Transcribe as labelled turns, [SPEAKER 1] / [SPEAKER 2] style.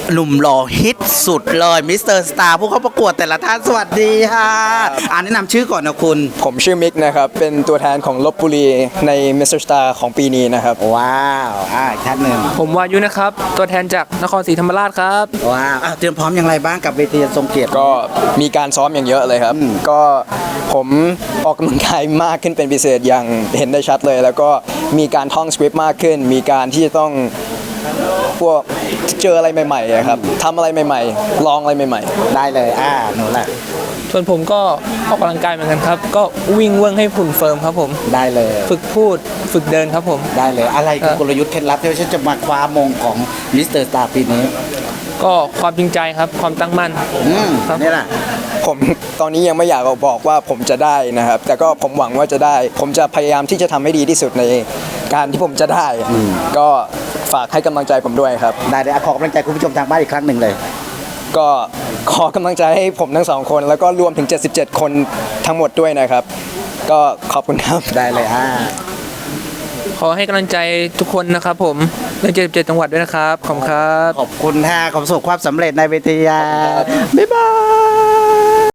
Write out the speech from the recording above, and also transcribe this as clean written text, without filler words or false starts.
[SPEAKER 1] หนุ่มหล่อฮิตสุดเลยมิสเตอร์สตาร์ผู้เข้าประกวดแต่ละท่านสวัสดีค่ะแนะนำชื่อก่อนนะคุณ
[SPEAKER 2] ผมชื่อมิกนะครับเป็นตัวแทนของลพบุรีใน Mr. Star ของปีนี้นะครับ
[SPEAKER 1] ว้าวอีกท่านหนึ่ง
[SPEAKER 3] ผมวายุนะครับตัวแทนจากนครศรีธรรมราชครับ
[SPEAKER 1] ว้าวเตรียมพร้อมอย่างไรบ้างกับเวทีทรงเกียรติ
[SPEAKER 2] ก็มีการซ้อมอย่างเยอะเลยครับก็ผมออกกำลังกายมากขึ้นเป็นพิเศษอย่างเห็นได้ชัดเลยแล้วก็มีการท่องสคริปต์มากขึ้นมีการที่จะต้องพวกเจออะไรใหม่ๆครับทำอะไรใหม่ๆลองอะไรใหม่
[SPEAKER 1] ๆได้เลยหนูแหละ
[SPEAKER 3] ส่วนผมก็ออกกำลังกายเหมือนกันครับก็วิ่งเวิ้งให้หุ่นเฟิร์มครับผม
[SPEAKER 1] ได้เลย
[SPEAKER 3] ฝึกพูดฝึกเดินครับผม
[SPEAKER 1] ได้เลยอะไรคือกลยุทธ์เคล็ดลับที่ฉันจะมาคว้ามงของมิสเตอร์สตาร์ปีนี้
[SPEAKER 3] ก็ความจริงใจครับความตั้งมั่น
[SPEAKER 1] นี่แหละ
[SPEAKER 2] ผมตอนนี้ยังไม่อยากบอกว่าผมจะได้นะครับแต่ก็ผมหวังว่าจะได้ผมจะพยายามที่จะทำให้ดีที่สุดในการที่ผมจะได้ก็ฝากให้กำลังใจผมด้วยครับ
[SPEAKER 1] ได้เลยขอกำลังใจคุณผู้ชมทางบ้านอีกครั้งหนึ่งเลย
[SPEAKER 2] ก็ขอกำลังใจให้ผมทั้งสองคนแล้วก็รวมถึง77คนทั้งหมดด้วยนะครับก็ขอบคุณครับ
[SPEAKER 1] ได้เลย
[SPEAKER 3] ขอให้กำลังใจทุกคนนะครับผมใน77จังหวัดด้วยนะครับขอบคุณครับ
[SPEAKER 1] ขอบคุณขอประสบความสำเร็จในเวทีบ๊ายบาย